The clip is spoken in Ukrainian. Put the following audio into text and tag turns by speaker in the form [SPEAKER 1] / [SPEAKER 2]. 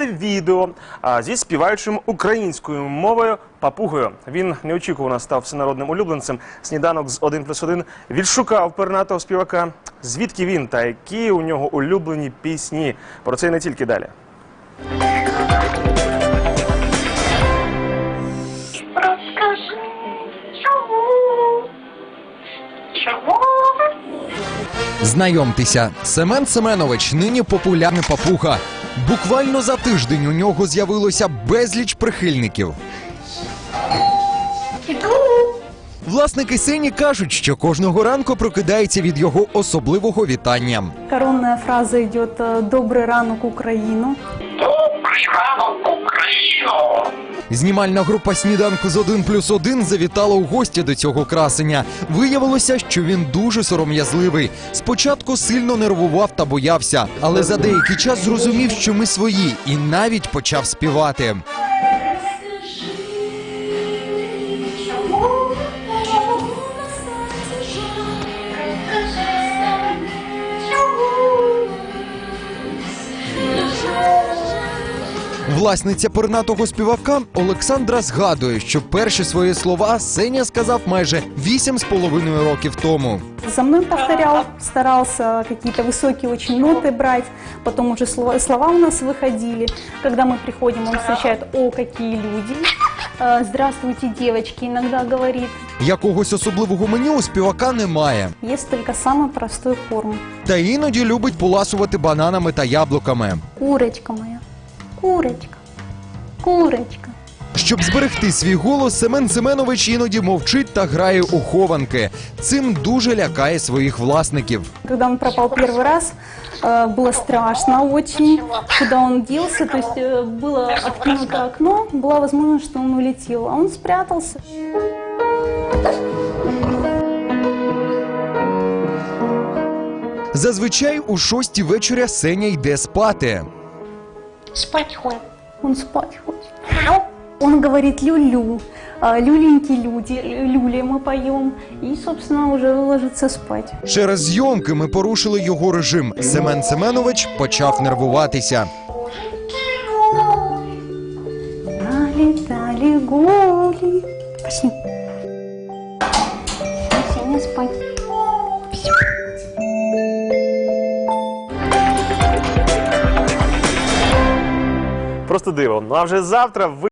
[SPEAKER 1] відео зі співаючим українською мовою папугою. Він неочікувано став всенародним улюбленцем. Сніданок з 1+1 відшукав пернатого співака. Звідки він та які у нього улюблені пісні? Про це і не тільки далі.
[SPEAKER 2] Знайомтеся, Семен Семенович нині популярний папуга. Буквально за тиждень у нього з'явилося безліч прихильників. Власники Сені кажуть, що кожного ранку прокидається від його особливого вітання.
[SPEAKER 3] Коронная фраза идет «Добрый ранок, Украину».
[SPEAKER 4] Добрий ранок, Україно!
[SPEAKER 2] Знімальна група «Сніданку з 1+1» завітала у гості до цього красеня. Виявилося, що він дуже сором'язливий. Спочатку сильно нервував та боявся, але за деякий час зрозумів, що ми свої, і навіть почав співати. Власниця пернатого співака Олександра згадує, що перші свої слова Сеня сказав майже 8,5 років тому.
[SPEAKER 3] За мной повторял, старался какие-то высокие очень ноты брать, потом уже слова у нас выходили. Когда мы приходим, он встречает «О, какие люди!» «Здравствуйте, девочки!» иногда говорит.
[SPEAKER 2] Якогось особливого меню у співака немає.
[SPEAKER 3] Есть только самый простой корм.
[SPEAKER 2] Та іноді любить поласувати бананами та яблуками.
[SPEAKER 3] Курочка моя, курочка, курочка.
[SPEAKER 2] Щоб зберегти свій голос, Семен Семенович іноді мовчить та грає у хованки. Цим дуже лякає своїх власників.
[SPEAKER 3] Когда он пропал первый раз, было страшно очень, куда он делся, то есть было открыто окно, была возможность, что он улетел, а он спрятался.
[SPEAKER 2] Зазвичай у 6-й вечора Сеня йде спати.
[SPEAKER 4] Спать ходим.
[SPEAKER 3] Он спать хочет. Он говорит «люлю», «люленьки люди», «люли» мы поем, и, собственно, уже ложится спать.
[SPEAKER 2] Через зйомки ми порушили його режим. Семен Семенович почав нервуватися.
[SPEAKER 3] Налетали голи. Пошли. Все, не спать. Все.
[SPEAKER 1] Просто диво. Ну а вже завтра ви